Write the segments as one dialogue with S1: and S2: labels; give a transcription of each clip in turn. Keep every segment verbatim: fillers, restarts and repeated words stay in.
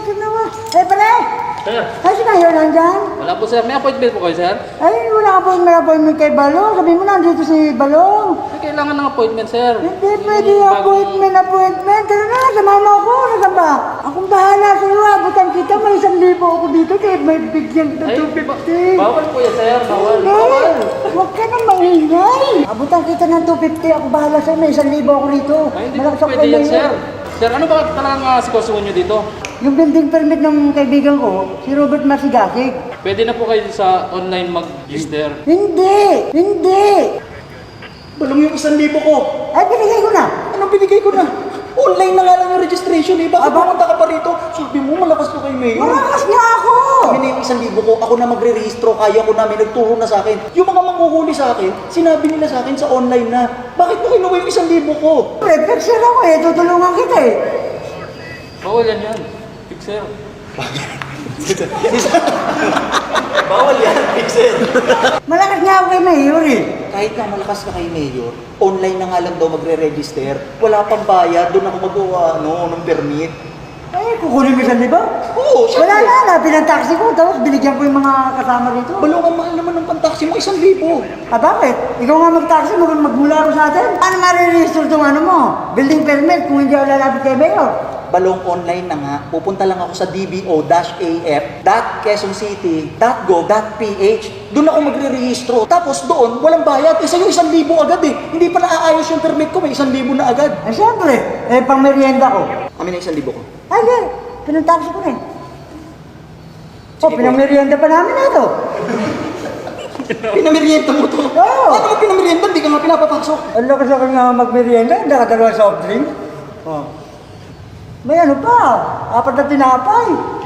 S1: ito naman. Eh, pare!
S2: Sir,
S1: Kasi kayo nandyan?
S2: wala po sir. May appointment po kayo sir?
S1: Ay, wala ka po may appointment kay Balong. Sabi mo nandito si Balong.
S2: May kailangan ng appointment sir.
S1: Hindi
S2: Yung
S1: pwede
S2: bagong-
S1: appointment, appointment. Tara na, sa mama ko. Nasaan ba? Akong bahala sa iyo. Abutan kita. May isang libo ako dito. Kaya may bigyan na
S2: Ay,
S1: two
S2: ba-
S1: fifty.
S2: bawal po yan sir. Bawal.
S1: Hindi.
S2: Bawal.
S1: Huwag ka nang maingay. Abutan kita ng two fifty. Ako bahala sa'yo. May isang libo ako rito.
S2: Ay, hindi po
S1: Malakas ako
S2: pwede yan
S1: kay
S2: sir.
S1: Mayor.
S2: Sir, ano ba talagang uh, sitwasyon nyo dito?
S1: Yung building permit ng kaibigan ko, si Robert Masigasig.
S2: Pwede na po kayo sa online mag-register.
S1: Hindi! Hindi!
S3: Balong yung isang libo ko.
S1: Ay, binigay ko na.
S3: Anong binigay ko na? Online na nga lang yung registration eh. Bakit
S1: Aba?
S3: pumunta ka pa rito? Sabi mo, malakas to kay Mayor.
S1: Malakas nga ako!
S3: Kami na yung isang libo ko, ako na magre-rehistro, kaya ko namin, nagturo na sa akin. Yung mga manghuhuli sa akin, sinabi nila sa akin sa online na, bakit mo kinuha yung isang libo ko?
S1: Prefixer ako eh, tutulungan kita eh.
S2: Bawal yan yan. Fixer.
S3: Bawal yan, Pixel.
S1: Malakas nga ako kay Mayor eh.
S3: Kahit na malakas ka kay Mayor, online na nga lang daw magre-register. Wala pang bayad, doon ako magawa ano, ng permit.
S1: Ay, kukunin mo isang libo?
S3: Oo,
S1: Wala
S3: syempre.
S1: na, hanapin ang taxi ko, tapos binigyan ko yung mga kasama rito.
S3: Balong ang mahal naman ng pantaksi mo, isang libo.
S1: Ah, bakit? Ikaw nga mag-taxi, mag magmula ko sa atin. Ano mariregister itong ano mo? Building permit kung hindi ako lalapit kay Mayor.
S3: Balong online na nga, pupunta lang ako sa d b o dash a f dot quezon city dot gov dot p h. Doon ako magre-rehistro. Tapos doon, walang bayad. Eh sa'yo, isang libo agad eh. Hindi pa naaayos yung permit ko, may isang libo na agad.
S1: Ay, siyempre, eh, pang merienda ko.
S3: Kami na isang libo ko.
S1: Ay, hindi, pinang-taxi ko rin. Oh,
S3: Sige,
S1: pinang-merienda pa namin na ito.
S3: Pinamerienda mo to?
S1: Oo.
S3: Ano mo pinamerienda? Hindi ka nga pinapapasok.
S1: Ang lakas ako nga mag-merienda, nakadalawa soft drink.
S3: Oh.
S1: May ano pa, apat na tinapay.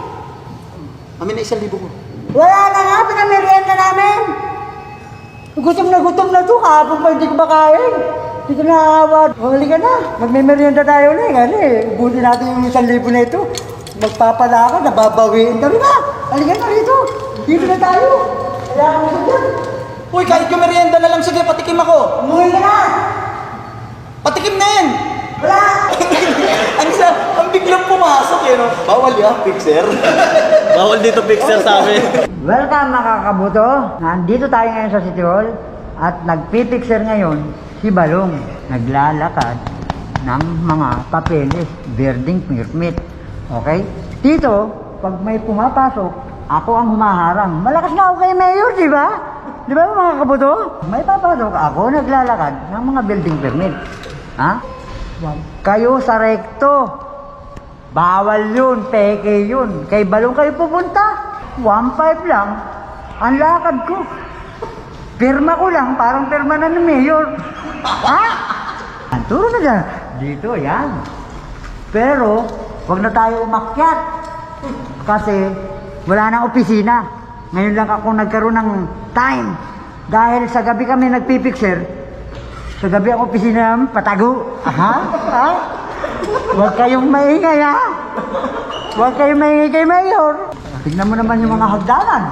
S3: Kami na isang libo ko.
S1: Wala na nga, pinamerienda namin. Gutom na gutom na to, kahapon pa hindi ko makain. Hindi ko naawa. Huli ka na, magme-merienda tayo ulit. Ano eh, ubusin natin yung isang libo na ito. Magpapala ka, nababawiin kami na. Halika na rito, dito na tayo. Kaya ako sa dyan.
S3: Uy, kahit yung merienda na lang, sige, patikim ako.
S1: Umuwi ka na.
S3: Patikim na yan.
S1: Wala.
S3: ang isa, ang biglang pumasok eh, no? Bawal yan, Pixer. Bawal dito, Pixer, sa amin.
S1: Welcome mga kabuto. Nandito tayo ngayon sa City Hall at nagpipicture ngayon si Balong. Naglalakad ng mga papeles, building permit. Okay? Dito, pag may pumapasok, ako ang humaharang. Malakas na ako kay Mayor, di ba? Di ba mga kabuto? May papasok, ako naglalakad ng mga building permit. Ha? Wag kayo sa rekto. Bawal yun, peke yun. Kay Balong kayo pupunta. one five lang ang lakad ko. Pirma ko lang, parang pirma na ng mayor. Ha? Ang turo na dyan. Dito, yan. Pero, wag na tayo umakyat. Kasi, wala nang opisina. Ngayon lang ako nagkaroon ng time. Dahil sa gabi kami nagpipicture, sa gabi ang opisina namin, patago. Aha? Ha? Huwag kayong maingay, ha? Huwag kayong maingay kay Mayor. Tignan mo naman yung mga hagdanan.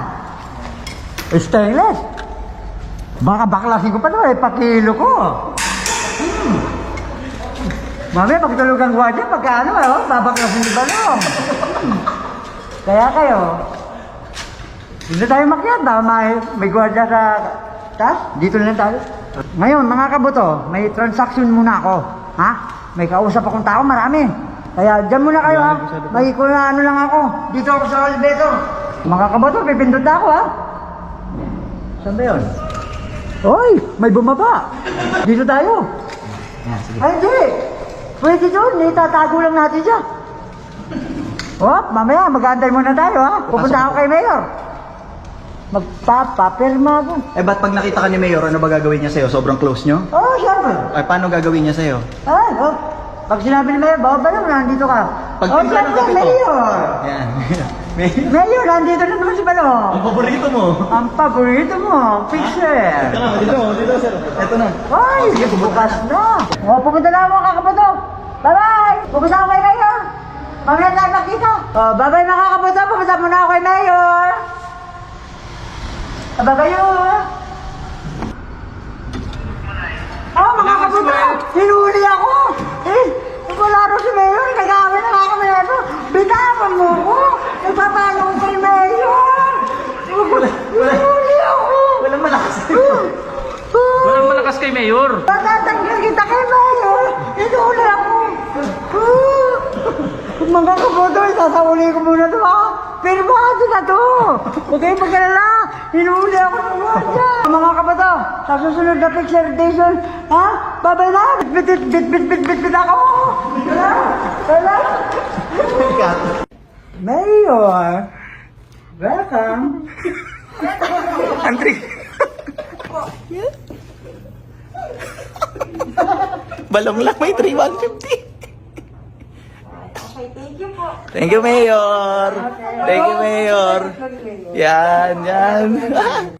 S1: Stainless. Baka baklasin ko pa ito, eh, pakilo ko. Hmm. Mamaya, pagtulog ang gwardiya, pagka ano, eh, oh, babaklasin di ba no? Hmm. Kaya kayo, hindi tayo makyat, baka may, may gwardiya sa taas, dito lang tayo. Ngayon, mga kabuto, may transaction muna ako. Ha? May kausap akong tao, marami. Kaya dyan muna kayo, ha? May kung ano lang ako. Dito ako sa elevator. Mga kabuto, pipindot na ako, ha? Saan ba yun? Hoy, may bumaba. Dito tayo.
S3: Yan, sige.
S1: Ay, hindi. Pwede doon, itatago lang natin siya. Oh, mamaya, mag-aantay muna tayo, ha? Pupunta ako kay Mayor. Magpapapirma ako.
S3: Eh, ba't pag nakita ka ni Mayor, ano ba gagawin niya sa'yo? Sobrang close nyo?
S1: Oh, siyempre.
S3: Ay, paano gagawin niya sa'yo?
S1: Ay, oh. Pag sinabi ni Mayor, baba ba naman, nandito ka.
S3: Pag
S1: oh,
S3: timpla ng
S1: siyempre,
S3: kape to.
S1: Mayor.
S3: Yan. Mayor,
S1: Mayor, nandito na naman si Balong.
S3: ang paborito mo.
S1: Ang paborito mo, picture.
S3: Ito na, dito, dito, sir. Ito na.
S1: Ay, bukas na. Oh, pupunta na ako mga kaputo. Bye-bye. Pupunta ako kay Mayor. Mamaya tayo makita. Oh, bye-bye mga kaputo. Pupunta muna ako kay Mayor. Bye-bye yun. Oh, mga kaputo. Hinuli ako. Eh, wala rin si Mayor. Nagawin na nga kami na ito. Bitawan mo ko. Ipapalo ko kay Mayor! Huli ako!
S3: Walang malakas.
S2: Walang malakas kay Mayor.
S1: Patatanggal kita kay Mayor! Hinuli ako! Kung mga kaboto, isasauli ko muna ito ha! Pirmado na to! Huwag kayong magkalala! Hinuli ako ng wanda! Mga kaboto, sa susunod na picture station, ha? Babay na! Bit bit bit bit bit bit bit ako! Wala! Wala! Mayor! Welcome!
S3: Andre. Balong lang may three one fifty.
S1: Okay, thank you po.
S3: Thank you, Mayor. Thank you, Mayor. Yan, yan.